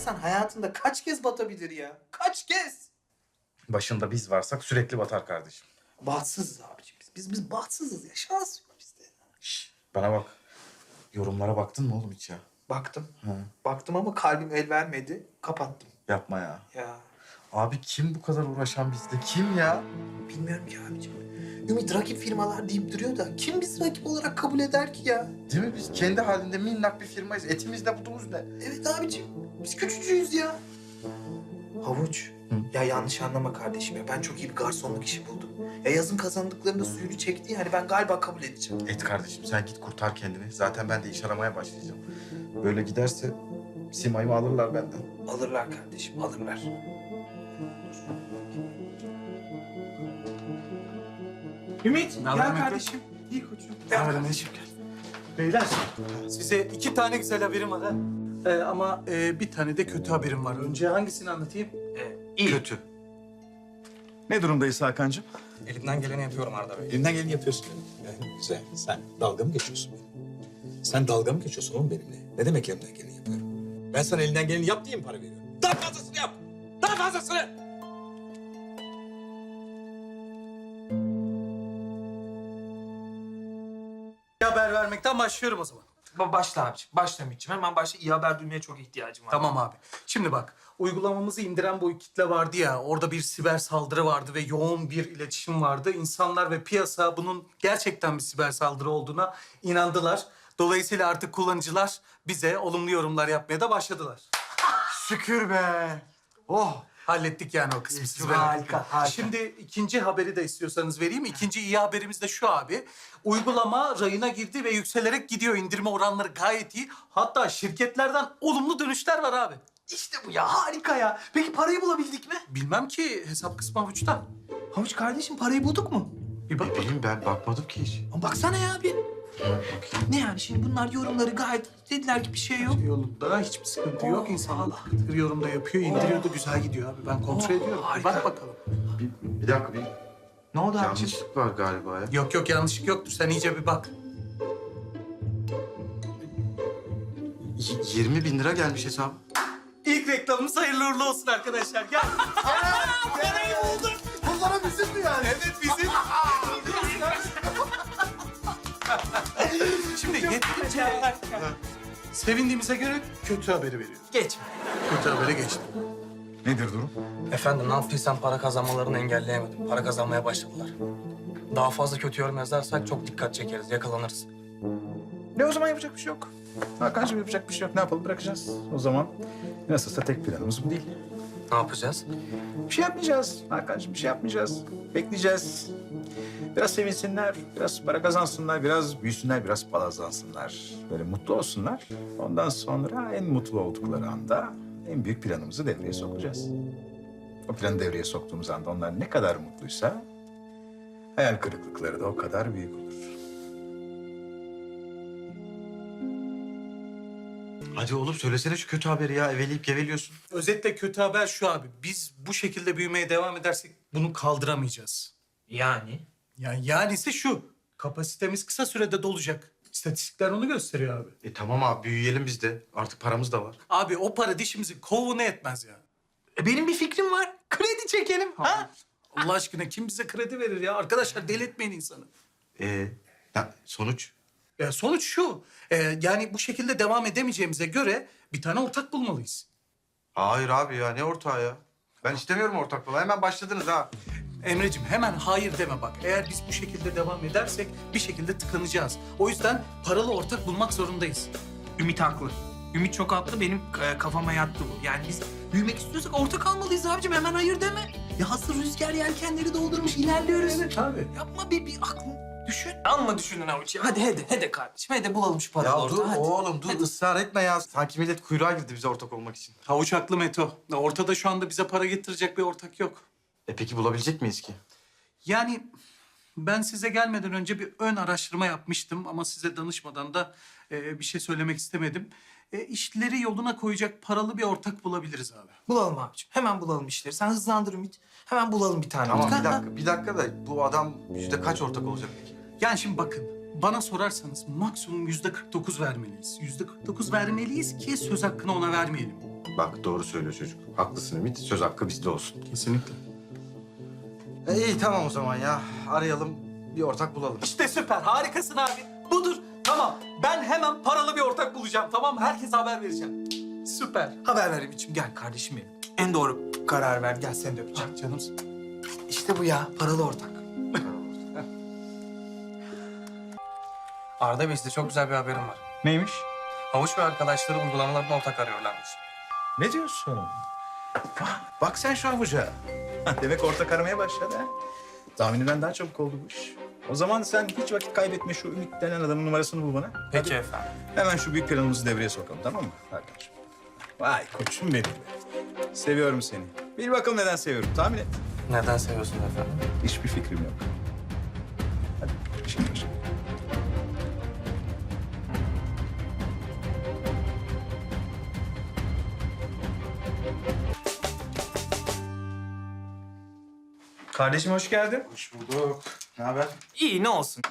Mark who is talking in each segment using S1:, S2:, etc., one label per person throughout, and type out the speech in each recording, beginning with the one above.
S1: insan hayatında kaç kez batabilir ya? Kaç kez?
S2: Başında biz varsak sürekli batar kardeşim.
S1: Bahtsızız abicim biz. Biz bahtsızız ya. Şans yok bizde.
S2: Şş, bana bak. Yorumlara baktın mı oğlum hiç ya?
S1: Baktım.
S2: Hı.
S1: Baktım ama kalbim el vermedi. Kapattım.
S2: Yapma ya.
S1: Ya
S2: Abi kim bu kadar uğraşan bizde? Kim ya?
S1: bilmiyorum ki abicim. Ümit rakip firmalar deyip duruyor da kim bizi rakip olarak kabul eder ki ya?
S2: Değil mi? Biz kendi halinde minnak bir firmayız. Etimiz ne, budumuz ne?
S1: Evet abicim. Biz küçücüğüz ya. Havuç.
S2: Hı?
S1: Ya yanlış anlama kardeşim ya. Ben çok iyi bir garsonluk işi buldum. Ya yazın kazandıklarında suyunu çekti. Yani ben galiba kabul edeceğim.
S2: Et kardeşim sen git kurtar kendini. Zaten ben de iş aramaya başlayacağım. Böyle giderse Simay'ımı alırlar benden.
S1: Alırlar kardeşim, alırlar. Ümit,
S3: Ne haber
S1: gel
S3: Mehmet?
S1: kardeşim. İyi koçum.
S3: Ne haber Enes'im, gel. Beyler, size 2 tane güzel haberim var ha. Ama bir tane de kötü haberim var. Önce hangisini anlatayım?
S2: Kötü.
S4: Ne durumdayız Hakan'cığım?
S5: Elimden geleni yapıyorum Arda Bey.
S4: Elinden geleni yapıyorsun. Güzel. Sen dalga mı geçiyorsun benimle? Sen dalga mı geçiyorsun oğlum benimle? Ne demek elimden geleni yapıyorum? Ben sana elinden geleni yap diye mi para veriyorum? Daha fazlasını yap! Daha fazlasını!
S3: Bir haber vermekten başlıyorum o zaman.
S1: Başla abiciğim, başla Ümit'ciğim. Hemen başla. İyi haber duymaya çok ihtiyacım var.
S3: Tamam abi. Şimdi bak, uygulamamızı indiren bu kitle vardı ya, orada bir siber saldırı vardı ve yoğun bir iletişim vardı. İnsanlar ve piyasa bunun gerçekten bir siber saldırı olduğuna inandılar. Dolayısıyla artık kullanıcılar bize olumlu yorumlar yapmaya da başladılar.
S2: Şükür be. Oh.
S3: Hallettik yani o kısmı. Siz
S1: Harika,
S3: merak etmeyin.
S1: harika.
S3: Şimdi ikinci haberi de istiyorsanız vereyim. İkinci iyi haberimiz de şu abi. Uygulama rayına girdi ve yükselerek gidiyor. İndirme oranları gayet iyi. Hatta şirketlerden olumlu dönüşler var abi.
S1: İşte bu ya, harika ya. Peki parayı bulabildik mi?
S3: Bilmem ki, hesap kısmı avuçta.
S1: Havuç kardeşim, parayı bulduk mu?
S3: Bir bak.
S2: Ne bileyim ben bakmadım ki hiç.
S1: Ama baksana ya bir.
S2: Bakayım.
S1: Ne yani şimdi bunlar yorumları gayet dediler ki bir şey yok.
S3: Yolunda hiçbir sıkıntı yok. İnsanlar bir yorumda yapıyor, indiriyor da güzel gidiyor abi. Ben kontrol ediyorum. Bir
S1: harika.
S3: bak bakalım.
S2: Bir dakika bir
S1: Ne oldu abiciğim?
S2: yanlışlık var galiba ya.
S3: Yok yok, yanlışlık yoktur. Sen iyice bir bak.
S2: 20 bin lira gelmiş hesaba.
S3: İlk reklamımız hayırlı uğurlu olsun arkadaşlar. Gel.
S2: Bunlara bizim mi yani?
S3: Evet bizim. Şimdi yeterince sevindiğimize göre kötü haberi veriyorum.
S1: Geç.
S3: Kötü habere geçtim.
S4: Nedir durum?
S5: Efendim ne yaptıysam para kazanmalarını engelleyemedim. Para kazanmaya başladılar. Daha fazla kötü yorum yazarsak çok dikkat çekeriz, yakalanırız.
S4: Ne o zaman yapacak bir şey yok. Hakan'cığım yapacak bir şey yok. Ne yapalım bırakacağız. O zaman nasılsa tek planımız bu değil.
S5: Ne yapacağız?
S4: Bir şey yapmayacağız Hakan'cığım, bir şey yapmayacağız. Bekleyeceğiz. Biraz sevinsinler, biraz para kazansınlar, biraz büyüsünler, biraz palazlansınlar. Böyle mutlu olsunlar. Ondan sonra en mutlu oldukları anda en büyük planımızı devreye sokacağız. O planı devreye soktuğumuz anda onlar ne kadar mutluysa hayal kırıklıkları da o kadar büyük olur.
S2: Hadi oğlum söylesene şu kötü haberi ya. Eveleyip geveliyorsun.
S3: Özetle kötü haber şu abi. Biz bu şekilde büyümeye devam edersek bunu kaldıramayacağız.
S1: Yani?
S3: Yani ise şu. Kapasitemiz kısa sürede dolacak. İstatistikler onu gösteriyor abi.
S2: Tamam abi büyüyelim biz de. Artık paramız da var.
S3: Abi o para dişimizi kovuğuna etmez ya.
S1: Benim bir fikrim var. Kredi çekelim. Ha?
S3: Allah aşkına kim bize kredi verir ya? Arkadaşlar deli etmeyin insanı.
S2: Sonuç?
S3: Sonuç şu. Yani bu şekilde devam edemeyeceğimize göre bir tane ortak bulmalıyız.
S2: Hayır abi ya ne ortağı ya? Ben istemiyorum ortak falan. Hemen başladınız ha.
S3: Emreciğim hemen hayır deme bak. Eğer biz bu şekilde devam edersek bir şekilde tıkanacağız. O yüzden paralı ortak bulmak zorundayız.
S1: Ümit haklı. Ümit çok haklı. Benim kafama yattı bu. Yani biz büyümek istiyorsak ortak almalıyız abicim. Hemen hayır deme. Ya hazır rüzgar yelkenleri doldurmuş ilerliyoruz.
S3: Evet abi.
S1: Yapma bir aklını düşün. Amma düşünün avuç ya. Hadi kardeşim. Hadi bulalım şu paralı
S2: Ya
S1: ortağı.
S2: dur
S1: Hadi.
S2: oğlum dur ısrar etme ya. Sanki millet kuyruğa girdi bize ortak olmak için.
S3: Havuç haklı Meto. Ortada şu anda bize para getirecek bir ortak yok.
S2: Peki bulabilecek miyiz ki?
S3: Yani ben size gelmeden önce bir ön araştırma yapmıştım ama size danışmadan da bir şey söylemek istemedim. İşleri yoluna koyacak paralı bir ortak bulabiliriz abi.
S1: Bulalım abicim. Hemen bulalım işleri. Sen hızlandır Ümit. Hemen bulalım bir tane.
S2: Tamam
S1: ortak.
S2: bir dakika da bu adam yüzde kaç ortak olacak peki?
S3: Yani şimdi bakın, bana sorarsanız maksimum %49 vermeliyiz. %49 vermeliyiz ki söz hakkını ona vermeyelim.
S2: Bak doğru söylüyor çocuk. Haklısın Ümit. Söz hakkı bizde olsun.
S3: Kesinlikle.
S2: İyi tamam o zaman ya. Arayalım, bir ortak bulalım.
S3: İşte süper, harikasın abi. Budur. Tamam, ben hemen paralı bir ortak bulacağım, tamam mı? Herkese haber vereceğim. Süper.
S1: Haber ver Ümit'ciğim. Gel kardeşim benim. En doğru karar ver. Gel seni de öpeceğim.
S3: Ah canımsın.
S1: İşte bu ya. Paralı ortak.
S5: Arda Bey, size çok güzel bir haberim var.
S4: Neymiş?
S5: Havuç ve arkadaşları uygulamalarına ortak arıyorlarmış.
S4: Ne diyorsun? Bak sen şu avuca. Demek ortak aramaya başladı ha. Tahminimden daha çabuk oldu bu iş. O zaman sen hiç vakit kaybetme, şu Ümit denen adamın numarasını bul bana.
S5: Peki efendim.
S4: Hemen şu büyük planımızı devreye sokalım, tamam mı arkadaşım? Vay koçum benim. Seviyorum seni. Bil bakalım neden seviyorum, tahmin et.
S5: Neden seviyorsun efendim?
S4: Hiçbir fikrim yok. Hadi şimdi başla.
S1: Kardeşim hoş geldin.
S2: Hoş bulduk. Ne haber?
S1: İyi ne olsun.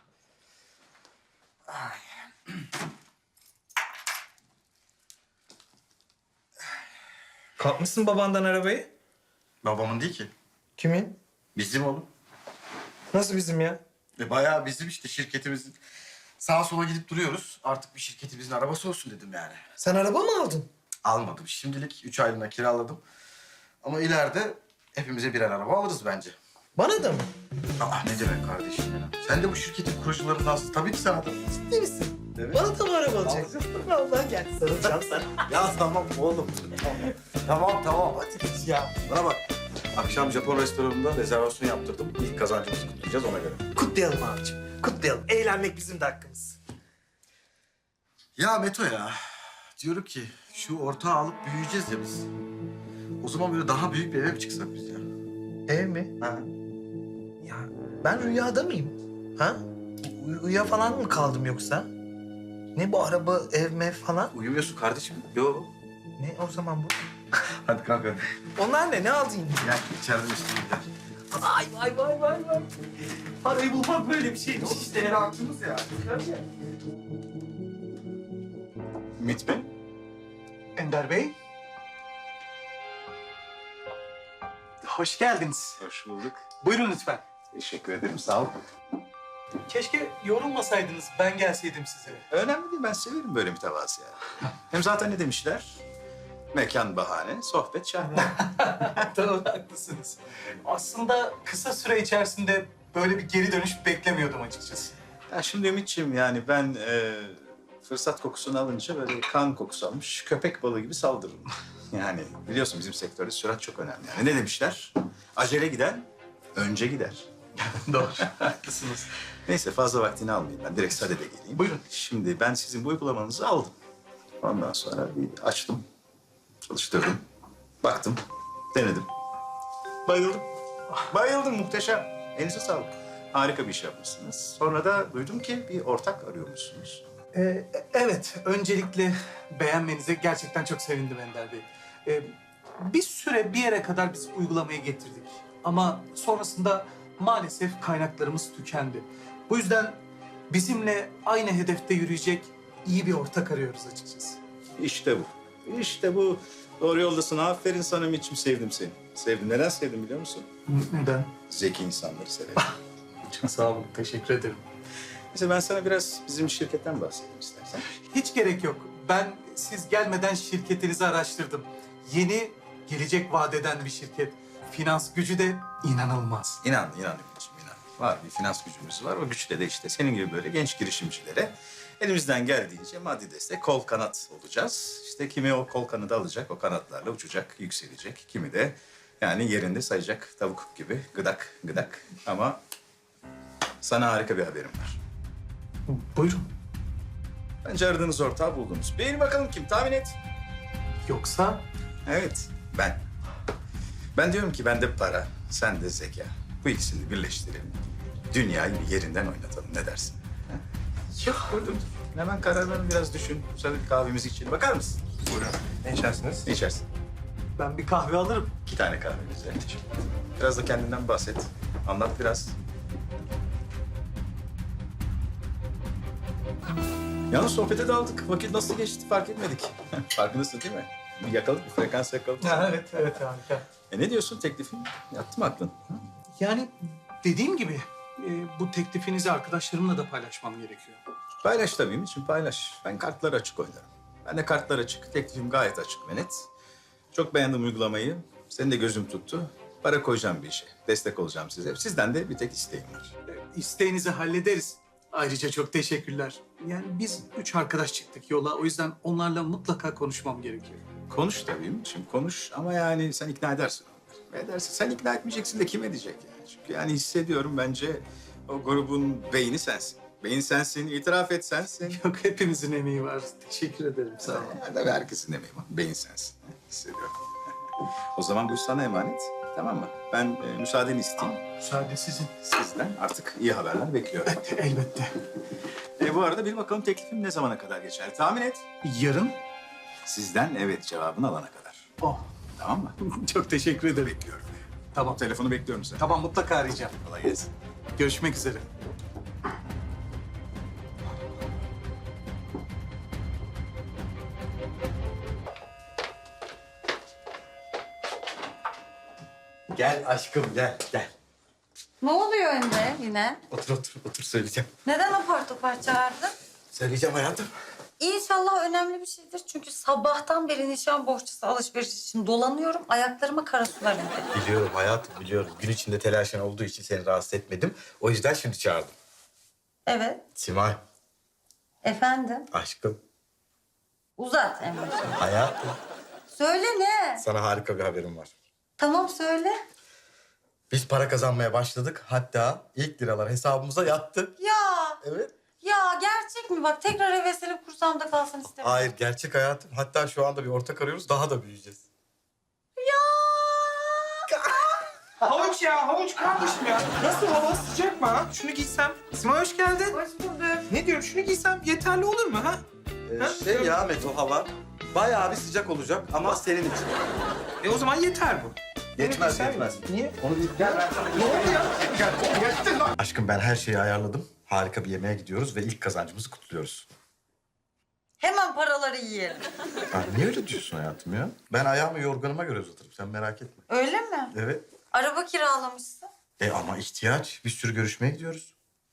S1: Kapmışsın babandan arabayı.
S2: Babamın değil ki.
S1: Kimin?
S2: Bizim oğlum.
S1: Nasıl bizim ya?
S2: Bayağı bizim işte şirketimizin. Sağa sola gidip duruyoruz. Artık bir şirketimizin arabası olsun dedim yani.
S1: Sen araba mı aldın?
S2: Almadım. Şimdilik 3 aylığına kiraladım. Ama ileride hepimize birer araba alırız bence.
S1: Bana da mı?
S2: Aa ne demek kardeşim ya? Sen de bu şirketin kurucularındansın. Tabii ki sana da.
S1: Ciddi misin?
S2: Evet.
S1: Bana da mı araba alacaksın? Vallahi gel sarılacağım sana.
S2: Ya tamam oğlum. Tamam hadi.
S1: Ya
S2: Bana bak. Akşam Japon restoranında rezervasyon yaptırdım. İlk kazancımızı kutlayacağız ona göre.
S1: kutlayalım abicim. Kutlayalım. Eğlenmek bizim de hakkımız.
S2: Ya Meto ya. Diyorum ki şu ortağı alıp büyüyeceğiz ya biz. O zaman böyle daha büyük bir eve mi çıksak biz ya?
S1: Ev mi?
S2: Ha?
S1: Ya ben rüyada mıyım? Ha? Uyuya falan mı kaldım yoksa? Ne bu araba, ev mev falan?
S2: Uyumuyorsun kardeşim. Yo.
S1: Ne o zaman bu?
S2: Hadi kalk hadi.
S1: Onlar ne? Ne aldın yine?
S2: Gel içeriden üstüne gider.
S1: Vay. Parayı bulmak böyle bir şeymiş işte ya.
S2: Aklımız ya.
S4: Ümit Bey.
S3: Ender Bey. Hoş geldiniz.
S4: Hoş bulduk.
S3: Buyurun lütfen.
S4: Teşekkür ederim, sağ ol.
S3: Keşke yorulmasaydınız, ben gelseydim size.
S4: Önemli değil, ben severim böyle mütevazı ya. Hem zaten ne demişler? Mekan bahane, sohbet şahane.
S3: Tamam, haklısınız. Aslında kısa süre içerisinde böyle bir geri dönüş beklemiyordum açıkçası.
S4: Ya şimdi Ümit'ciğim yani ben fırsat kokusunu alınca böyle kan kokusu almış köpek balığı gibi saldırırım. Yani biliyorsun bizim sektörde sürat çok önemli. Yani ne demişler? Acele giden önce gider.
S3: Doğru, haklısınız.
S4: Neyse fazla vaktini almayayım ben. Direkt sadede geleyim.
S3: Buyurun.
S4: Şimdi ben sizin bu uygulamanızı aldım. Ondan sonra bir açtım, çalıştırdım, baktım, denedim. Bayıldım. Bayıldım, muhteşem. Elinize sağlık. Harika bir iş yapmışsınız. Sonra da duydum ki bir ortak arıyormuşsunuz.
S3: Evet, öncelikle beğenmenize gerçekten çok sevindim Ender Bey. Bir süre bir yere kadar biz uygulamayı getirdik. Ama sonrasında maalesef kaynaklarımız tükendi. Bu yüzden bizimle aynı hedefte yürüyecek iyi bir ortak arıyoruz açıkçası.
S4: İşte bu. İşte bu. Doğru yoldasın. Aferin sana Ümit'ciğim. Sevdim seni. Sevdim. Neden sevdim biliyor musun?
S3: Neden?
S4: Zeki insanları severim.
S3: Çok sağ olun, teşekkür ederim.
S4: Mesela ben sana biraz bizim şirketten bahsedeyim istersen.
S3: Hiç gerek yok. Ben siz gelmeden şirketinizi araştırdım. Yeni, gelecek vadeden bir şirket. Finans gücü de inanılmaz.
S4: İnan Ümit'ciğim, inan. Var bir finans gücümüz var. O güçle de işte senin gibi böyle genç girişimcilere elimizden geldiğince maddi destek, kol kanat olacağız. İşte kimi o kol kanadı alacak, o kanatlarla uçacak, yükselecek. Kimi de yani yerinde sayacak tavuk gibi gıdak gıdak. Ama sana harika bir haberim var.
S3: Buyurun.
S4: Bence aradığınız ortağı buldunuz. Beğen bakalım kim? Tahmin et.
S3: Yoksa
S4: Evet, ben. Ben diyorum ki bende para, sen de zeka. Bu ikisini birleştirelim. Dünyayı bir yerinden oynatalım. Ne dersin? Ha? Yok, dur. Hemen kararlarını biraz düşün. Sonra bir kahvemizi içelim. Bakar mısın?
S2: Buyurun.
S4: Ne içersiniz? Ne içersin?
S3: ben bir kahve alırım.
S4: 2 tane kahve güzel. Biraz da kendinden bahset. Anlat biraz. Yalnız sohbete daldık. Vakit nasıl geçti fark etmedik. Farkındasın değil mi? Bir yakaladık, bir frekans yakaladık.
S3: Evet harika.
S4: Ne diyorsun teklifin? Yattı mı aklın?
S3: Yani dediğim gibi bu teklifinizi arkadaşlarımla da paylaşmam gerekiyor.
S4: Paylaş tabii Ümit'ciğim paylaş. Ben kartlar açık oynarım. Ben de kartlar açık. Teklifim gayet açık ve net. Çok beğendim uygulamayı. Senin de gözüm tuttu. Para koyacağım bir işe. Destek olacağım size. Sizden de bir tek isteğim var.
S3: İsteğinizi hallederiz. Ayrıca çok teşekkürler. Yani biz 3 arkadaş çıktık yola. O yüzden onlarla mutlaka konuşmam gerekiyor.
S4: Konuş tabii Ümit'ciğim konuş. Ama yani sen ikna edersin onları. Edersin. Sen ikna etmeyeceksin de kim edecek yani? Çünkü yani hissediyorum bence o grubun beyni sensin. Beyin sensin, itiraf et sensin.
S3: Yok hepimizin emeği var. Teşekkür ederim sağ olun.
S4: Tabii herkesin emeği var. Beyin sensin. Hissediyorum. O zaman bu iş sana emanet. Tamam mı? Ben müsaadeni isteyeyim.
S3: Müsaade sizin.
S4: Sizden artık iyi haberler bekliyorum.
S3: Elbette.
S4: Bu arada bir bakalım teklifim ne zamana kadar geçer? Tahmin et.
S3: Yarın?
S4: Sizden evet cevabını alana kadar.
S3: Oh.
S4: Tamam mı?
S3: Çok teşekkür ederim.
S4: Bekliyorum.
S3: Tamam.
S4: Telefonu bekliyorum seni.
S3: Tamam mutlaka arayacağım.
S4: Kolay gelsin.
S3: Görüşmek üzere.
S2: Gel aşkım gel gel.
S6: Ne oluyor Emre yine?
S2: Otur söyleyeceğim.
S6: Neden apar topar çağırdın?
S2: Söyleyeceğim hayatım.
S6: İnşallah önemli bir şeydir. Çünkü sabahtan beri nişan bohçası alışveriş için dolanıyorum. Ayaklarıma kara sular indi.
S2: Biliyorum hayatım biliyorum. Gün içinde telaşın olduğu için seni rahatsız etmedim. O yüzden şimdi çağırdım.
S6: Evet,
S2: Simay
S6: efendim.
S2: aşkım
S6: Uzat Emre.
S2: hayatım.
S6: Söyle ne?
S2: Sana harika bir haberim var.
S6: Tamam söyle.
S2: Biz para kazanmaya başladık. Hatta ilk liralar hesabımıza yattı.
S6: Ya,
S2: Evet.
S6: ya gerçek mi? Bak tekrar heveslenip kursamda kalsın istemiyorum.
S2: Hayır gerçek hayatım. Hatta şu anda bir ortak arıyoruz. Daha da büyüyeceğiz.
S1: Havuç ya, havuç kardeşim ya. Nasıl hava sıcak mı ha? Şunu giysem. Simay hoş geldin.
S6: Hoş bulduk.
S1: Ne diyorum, şunu giysem yeterli olur mu ha?
S2: Ya Meto hava bayağı bir sıcak olacak ama senin için.
S1: O zaman yeter bu.
S2: Yetmez.
S1: Niye?
S2: Aşkım ben her şeyi ayarladım. Harika bir yemeğe gidiyoruz ve ilk kazancımızı kutluyoruz.
S6: Hemen paraları yiyelim.
S2: Ya niye öyle diyorsun hayatım ya? Ben ayağımı yorganıma göre uzatırım. Sen merak etme.
S6: Öyle mi?
S2: Evet.
S6: Araba kiralamışsın.
S2: Ama ihtiyaç. Bir sürü görüşmeye gidiyoruz.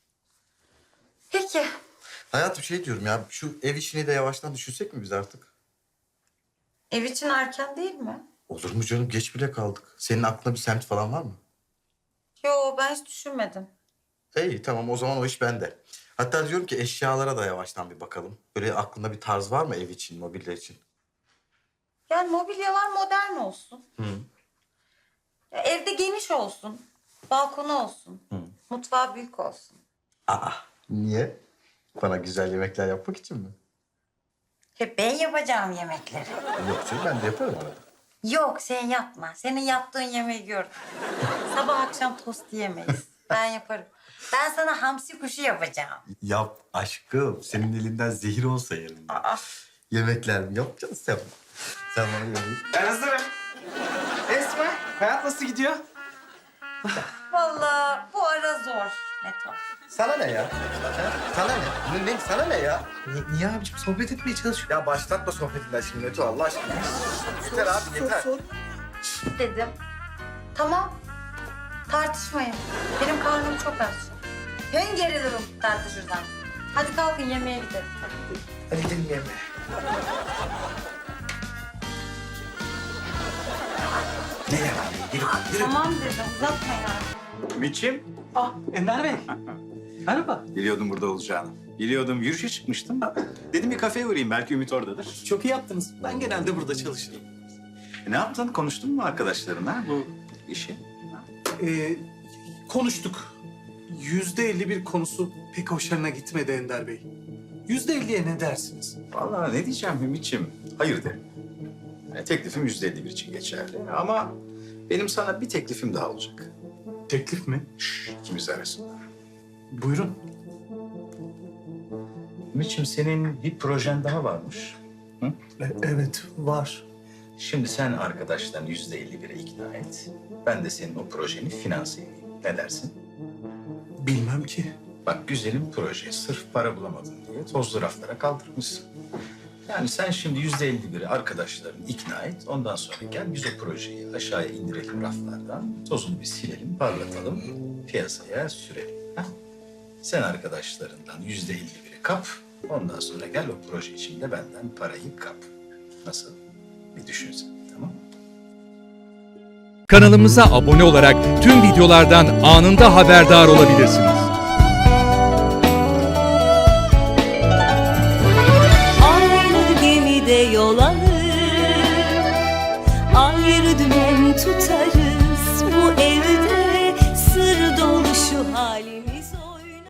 S6: Peki.
S2: Hayatım şey diyorum ya, şu ev işini de yavaştan düşünsek mi biz artık?
S6: Ev için erken değil mi?
S2: Olur mu canım? Geç bile kaldık. Senin aklında bir semt falan var mı?
S6: Yo ben hiç düşünmedim.
S2: İyi tamam o zaman o iş bende. Hatta diyorum ki eşyalara da yavaştan bir bakalım. Böyle aklında bir tarz var mı ev için, mobilya için?
S6: Yani mobilyalar modern olsun.
S2: Hı.
S6: Ya evde geniş olsun. Balkonu olsun.
S2: Hı.
S6: Mutfağı büyük olsun.
S2: Niye? Bana güzel yemekler yapmak için mi?
S6: Hep ben yapacağım yemekleri.
S2: Yok canım ben de yaparım arada.
S6: Yok sen yapma. Senin yaptığın yemeği gördüm. Sabah akşam tost yiyemeyiz. Ben yaparım. Ben sana hamsi kuşu yapacağım.
S2: Yap aşkım. Senin elinden zehir olsa yerim.
S6: Aa,
S2: Yemekler mi yapacaksın sen? Sen bana yemeği.
S1: Ben hazırım. Esma, hayat nasıl gidiyor?
S6: vallahi bu ara zor Meto.
S2: Sana ne ya? Sana ne? Ne? Sana ne ya?
S1: Niye abiciğim? Sohbet etmeye çalışıyorum.
S2: Ya başlatma sohbetinden şimdi Meto Allah aşkına. Yeter abi yeter.
S6: Dedim. Tamam. Tartışmayın. Benim karnım çok aç. Ben gerilirim tartışırsan. Hadi kalkın yemeğe gidelim.
S1: Hadi gidelim yemeğe.
S2: Ne ya? Yürü.
S6: Tamam dedim. Uzatma ya.
S4: Ümit'ciğim.
S3: Ah Ender Bey. Merhaba.
S4: Biliyordum burada olacağını. Biliyordum. Yürüyüşe çıkmıştım. Dedim bir kafeye uğrayayım. Belki Ümit oradadır.
S3: Çok iyi yaptınız. Ben genelde burada çalışırım.
S4: Ne yaptın? Konuştun mu arkadaşlarına bu işi?
S3: Konuştuk. %51 konusu pek hoşlarına gitmedi Ender Bey. %50'ye ne dersiniz?
S4: Vallahi ne diyeceğim Ümit'ciğim? Hayır derim. Yani teklifim %51 için geçerli. Ama benim sana bir teklifim daha olacak.
S3: Teklif mi?
S4: İkimiz arasında.
S3: Buyurun.
S4: Ümit'ciğim senin bir projen daha varmış.
S3: Evet, var.
S4: Şimdi sen arkadaştan %51'e ikna et. Ben de senin o projeni finanse edeyim. Ne dersin?
S3: Bilmem ki.
S4: Bak güzelim proje. Sırf para bulamadın diye tozlu raflara kaldırmışsın. Yani sen şimdi %51'i arkadaşlarını ikna et. Ondan sonra gel biz o projeyi aşağıya indirelim raflardan. Tozunu bir silelim, parlatalım, piyasaya sürelim. Ha? Sen arkadaşlarından %51'i kap. Ondan sonra gel o proje içinde benden parayı kap. Nasıl? Bir düşünsen, tamam mı?
S7: Kanalımıza abone olarak tüm videolardan anında haberdar olabilirsiniz.
S8: Aynı gemide yol alır.